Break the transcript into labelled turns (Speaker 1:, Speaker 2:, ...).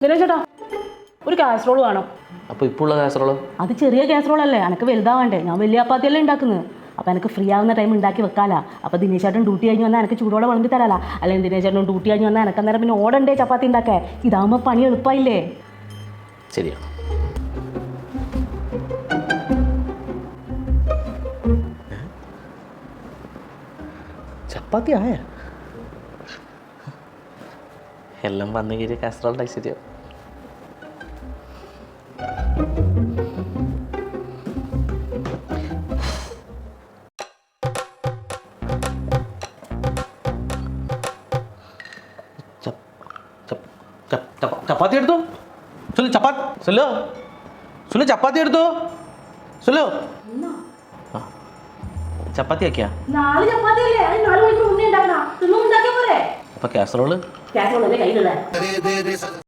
Speaker 1: ദിനേശ് ചേട്ടാ ഒരു കാസറോൾ വേണം.
Speaker 2: അപ്പോൾ ഇപ്പോൾ ഉള്ള കാസറോളോ?
Speaker 1: അത് ചെറിയ കാസറോൾ അല്ലേ, എനിക്ക് വലുതാവണ്ടേ. ഞാൻ വലിയ ചപ്പാത്തിയല്ലേ ഉണ്ടാക്കുന്നത്. അപ്പോൾ എനിക്ക് ഫ്രീ ആവുന്ന ടൈം ഉണ്ടാക്കി വെക്കാലാ. അപ്പോൾ ദിനേശ് ചേട്ടൻ ഡ്യൂട്ടി കഴിഞ്ഞ് വന്നാൽ എനിക്ക് ചൂടോടെ വിളമ്പി തരാലാ. അല്ലെങ്കിൽ ദിനേശ് ചേട്ടൻ ഡ്യൂട്ടി കഴിഞ്ഞ് വന്നാൽ എനിക്ക് അന്നേരം പിന്നെ ഓടണ്ടേ ചപ്പാത്തി ഉണ്ടാക്കേ. ഇതാകുമ്പോൾ പണി എളുപ്പമായില്ലേ?
Speaker 2: ശരിയാണ്. ചപ്പാത്തി ആയ എല്ലാം വന്നു കയറിയ കാസറോളുടെ ഐശ്വര്യം. ചപ്പാത്തി എടുത്തു സുലു. സുലു സുലു ചപ്പാത്തി എടുത്തു സുലു. ചപ്പാത്തി ആക്കിയാ? അപ്പൊ കാസറോള്
Speaker 1: കാസറോൾ കയ്യിലുള്ള